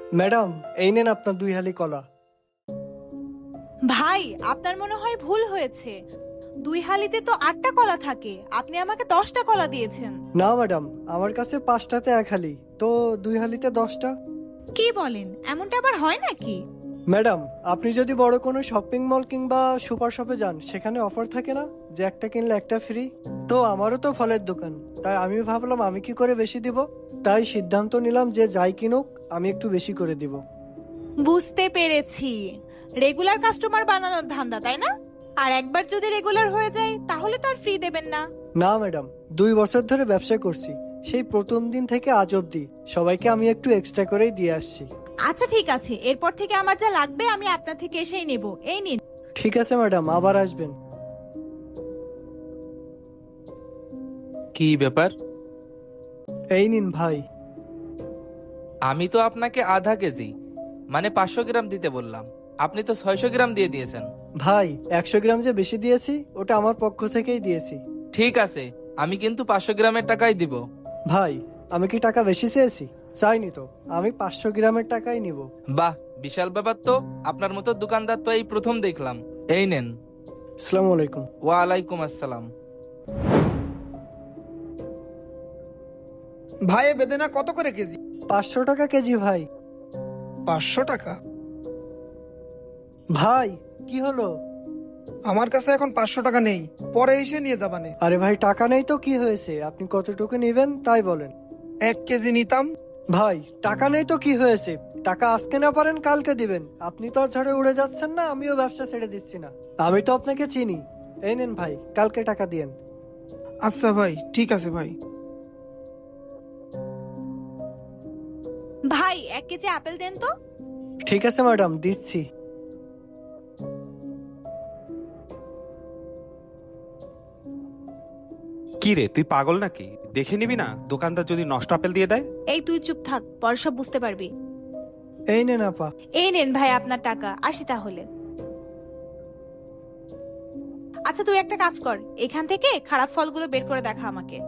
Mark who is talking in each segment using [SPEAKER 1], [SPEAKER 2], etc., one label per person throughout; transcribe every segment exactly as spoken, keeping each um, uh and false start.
[SPEAKER 1] Madam, এই নেন আপনার দুই হালি কলা।
[SPEAKER 2] ভাই, আপনার মনে হয় ভুল হয়েছে। দুই হালিতে তো আটটা কলা থাকে, আপনি আমাকে দশটা কলা দিয়েছেন।
[SPEAKER 1] না ম্যাডাম, আমার কাছে পাঁচটাতে এক হালি, তো দুই হালিতে দশটা।
[SPEAKER 2] কি বলেন? এমনটা আবার হয় নাকি?
[SPEAKER 1] ম্যাডাম, আপনি যদি বড় কোনো শপিং মল কিংবা সুপার শপে যান, সেখানে অফার থাকে না যে একটা কিনলে একটা ফ্রি। তো আমারও তো ফলের দোকান, তাই আমি ভাবলাম আমি কি করে বেশি দিব। তাই সিদ্ধান্ত নিলাম যে যাই কিনুক আমি একটু বেশি করে দিব।
[SPEAKER 2] বুঝতে পেরেছি, রেগুলার কাস্টমার বানানোর ধান্দা, তাই না? আর একবার যদি রেগুলার হয়ে যায় তাহলে তো আর ফ্রি দেবেন না।
[SPEAKER 1] না ম্যাডাম, দুই বছর ধরে ব্যবসা করছি, সেই প্রথম দিন থেকে আজ অব্দি সবাইকে আমি একটু এক্সট্রা করেই দিয়ে আসছি।
[SPEAKER 2] আচ্ছা ঠিক আছে, এরপর থেকে আমার যা লাগবে আমি আপনার থেকে এসেই নেব। এই নিন।
[SPEAKER 1] ঠিক আছে ম্যাডাম, আবার আসবেন।
[SPEAKER 3] কি ব্যাপার?
[SPEAKER 1] এই নিন ভাই।
[SPEAKER 3] আমি তো আপনাকে আধা কেজি মানে পাঁচশো গ্রাম দিতে বললাম, আপনি তো ছয়শো গ্রাম দিয়ে দিয়েছেন।
[SPEAKER 1] ভাই, একশো গ্রাম যে বেশি দিয়েছি ওটা আমার পক্ষ থেকেই দিয়েছি।
[SPEAKER 3] ঠিক আছে, আমি কিন্তু পাঁচশো গ্রামের টাকাই দিব।
[SPEAKER 1] ভাই, আমি কি টাকা বেশি চেয়েছি? চাইনি তো, আমি পাঁচশো গ্রামের টাকাই নিব।
[SPEAKER 3] বাহ, বিশাল ব্যাপার তো। আপনার মতো দোকানদার তো এই প্রথম দেখলাম। এই নেন।
[SPEAKER 1] আসসালামু আলাইকুম।
[SPEAKER 3] ওয়ালাইকুম আসসালাম।
[SPEAKER 4] ভাই এ বেদেনা কত করে কেজি?
[SPEAKER 1] পাঁচশো টাকা কেজি ভাই।
[SPEAKER 4] পাঁচশো টাকা?
[SPEAKER 1] ভাই, কি হলো?
[SPEAKER 4] আমার কাছে এখন পাঁচশো টাকা নেই, পরে এসে নিয়ে যাবানে।
[SPEAKER 1] আরে ভাই, টাকা নেই তো কি হয়েছে, আপনি কতটুকু নেবেন তাই বলেন।
[SPEAKER 4] এক কেজি নিতাম।
[SPEAKER 1] ভাই, টাকা নেই তো কি হয়েছে, টাকা আজকে না পারেন কালকে দিবেন। আপনি তো আর ঝড়ে উড়ে যাচ্ছেন না, আমিও ব্যবসা ছেড়ে দিচ্ছি না। আমি তো আপনাকে চিনি। এই নেন ভাই, কালকে টাকা দিয়েন।
[SPEAKER 4] আচ্ছা ভাই, ঠিক আছে ভাই।
[SPEAKER 2] ভাই, এক কেজি আপেল দেন তো।
[SPEAKER 1] ঠিক আছে ম্যাডাম, দিচ্ছি।
[SPEAKER 5] কি রে, তুই পাগল নাকি? দেখে নিবি না দোকানদার যদি নষ্ট আপেল দিয়ে দেয়?
[SPEAKER 2] এই তুই চুপ থাক, পরে সব বুঝতে পারবি।
[SPEAKER 1] এই নেন আপা।
[SPEAKER 2] এই নেন ভাই আপনার টাকা, আসি তাহলে। আচ্ছা তুই একটা কাজ কর, এখান থেকে খারাপ ফলগুলো বের করে দেখা আমাকে।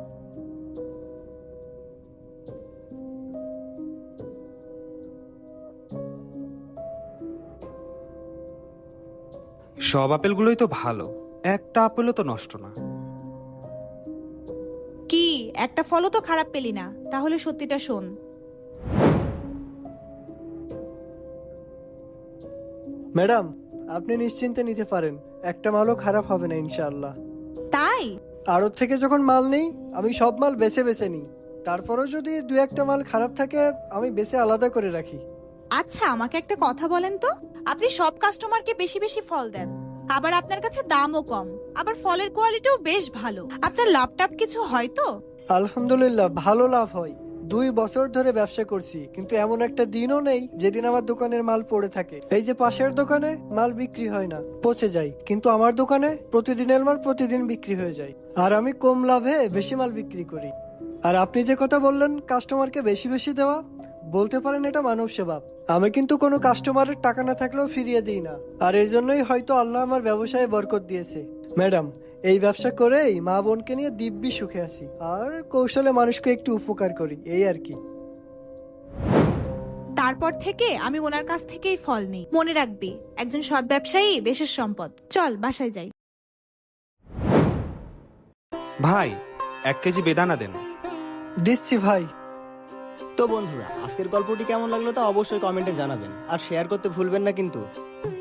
[SPEAKER 5] সব আপেলগুলোই তো ভালো, একটা আপেলও তো নষ্ট না।
[SPEAKER 2] কি, একটা ফলও তো খারাপ পেলি না? তাহলে সত্যিটা শোন।
[SPEAKER 1] ম্যাডাম, আপনি নিশ্চিন্তে নিতে পারেন, একটা মালও খারাপ হবে না ইনশাআল্লাহ।
[SPEAKER 2] তাই?
[SPEAKER 1] আড়ত থেকে যখন মাল নেই, আমি সব মাল বেছে বেছে নিই। তারপরেও যদি দু একটা মাল খারাপ থাকে, আমি বেছে আলাদা করে রাখি।
[SPEAKER 2] আচ্ছা আমাকে একটা কথা বলেন তো, আপনি সব কাস্টমারকে বেশি বেশি ফল দেন, আবার আপনার কাছে দামও কম, আবার ফলের কোয়ালিটিও বেশ ভালো। আপনার লাভটাপ কিছু হয় তো?
[SPEAKER 1] আলহামদুলিল্লাহ, ভালো লাভ হয়। দুই বছর ধরে ব্যবসা করছি, কিন্তু এমন একটা দিনও নেই যেদিন আমার দোকানের মাল পড়ে থাকে। এই যে পাশের দোকানে মাল বিক্রি হয় না, পচে যায়, কিন্তু আমার দোকানে প্রতিদিনের মাল প্রতিদিন বিক্রি হয়ে যায়। আর আমি কম লাভে বেশি মাল বিক্রি করি। আর আপনি যে কথা বললেন কাস্টমারকে বেশি বেশি দেওয়া, বলতে পারেন এটা মানব সেবা। আমি কিন্তু কোনো কাস্টমারের টাকা না থাকলেও ফিরিয়ে দিই না। আর এই জন্যই হয়তো আল্লাহ আমার ব্যবসায় বরকত দিয়েছে। ম্যাডাম, এই ব্যবসা করেই মা বোনকে নিয়ে দিব্যি সুখে আছি, আর কৌশলে মানুষকে একটু উপকার করি, এই আর কি।
[SPEAKER 2] তারপর থেকে আমি ওনার কাছ থেকেই ফল নিই। মনে রাখবি, একজন সৎ ব্যবসায়ী দেশের সম্পদ। চল বাসায় যাই।
[SPEAKER 5] ভাই, এক কেজি বেদানা দেন।
[SPEAKER 1] দিচ্ছি ভাই।
[SPEAKER 6] তো বন্ধুরা, আজকের গল্পটি কেমন লাগলো তা অবশ্যই কমেন্টে জানাবেন, আর শেয়ার করতে ভুলবেন না কিন্তু।